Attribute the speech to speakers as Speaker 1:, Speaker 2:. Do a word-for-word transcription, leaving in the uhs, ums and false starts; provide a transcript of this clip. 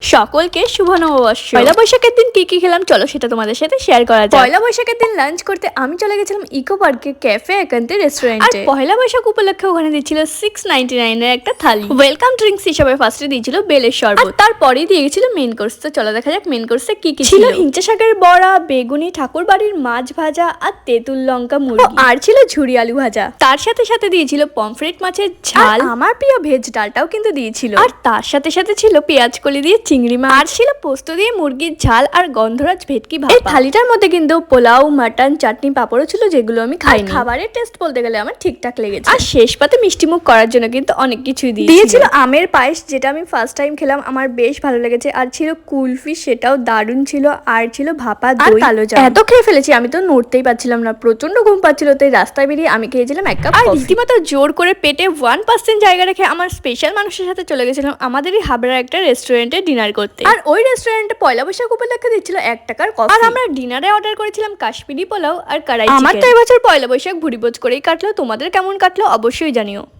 Speaker 1: সকলকে শুভ নববর্ষ। পয়লা বৈশাখের দিন কি কি খেলাম চলো সেটা তোমাদের সাথে শেয়ার করা যায়। পয়লা বৈশাখের দিন লাঞ্চ করতে আমি চলে গেছিলাম ইকো পার্কে ক্যাফে একান্তে রেস্টুরেন্টে। পয়লা বৈশাখ উপলক্ষে ওখানে দিচ্ছিল সিক্স নাইনটি নাইন এর একটা থালি। ওয়েলকাম ড্রিঙ্কস হিসেবে ফার্স্টে দিয়েছিল বেলের শরবত, তারপরেই দিয়ে গেছিল মেন কোর্স। তো চলো দেখা যাক মেন কোর্সে কি কি ছিল। হিংচা শাকের বড়া, বেগুনি, ঠাকুর বাড়ির মাছ ভাজা আর তেঁতুল লঙ্কা মুরগি, আর ছিল ঝুরি আলু ভাজা। তার সাথে সাথে দিয়েছিল পমফ্রেট মাছের ঝাল, আমার প্রিয় ভেজ ডালটাও কিন্তু দিয়েছিল। আর তার সাথে সাথে ছিল পেঁয়াজ কলি দিয়ে চিংড়ি মাছ, আর ছিল পোস্ত দিয়ে মুরগির ঝাল আর গন্ধরাজ ভেটকি ভাপা। এই থালিটার মধ্যে কিন্তু পোলাও, মাটন, চাটনি, পাপড়ও ছিল যেগুলো আমি খাইনি। খাবারের টেস্ট বলতে গেলে আমার ঠিকঠাক লেগেছে। আর শেষ পাতে মিষ্টি মুখ করার জন্য কিন্তু অনেক কিছুই দিয়েছিল। আমের পায়েস, যেটা আমি ফার্স্ট টাইম খেলাম, আমার বেশ ভালো লেগেছে। আর ছিল কুলফি, সেটাও দারুণ ছিল। আর ছিল ভাপা দই, কালো জাম। এত খেয়ে ফেলেছি আমি তো নড়তেই পারছিলাম না, প্রচন্ড ঘুম পাচ্ছিল। তাই রাস্তায় বেরিয়ে আমি খেয়েছিলাম এক কাপ। আর রীতিমতো জোর করে পেটে ওয়ান পার্সেন্ট জায়গা রেখে আমার স্পেশাল মানুষের সাথে চলে গেছিলাম আমাদেরই হাবড়ার একটা রেস্টুরেন্টে ডিনার করতে। আর ওই রেস্টুরেন্টে পয়লা বৈশাখ উপলক্ষে দিচ্ছিল এক টাকার কফি। আর আমরা ডিনারে অর্ডার করেছিলাম কাশ্মীরি পোলাও আর কড়াই চিকেন। আমার তো এবছর পয়লা বৈশাখ ভুরিভোজ করেই কাটলো। তোমাদের কেমন কাটলো অবশ্যই জানিও।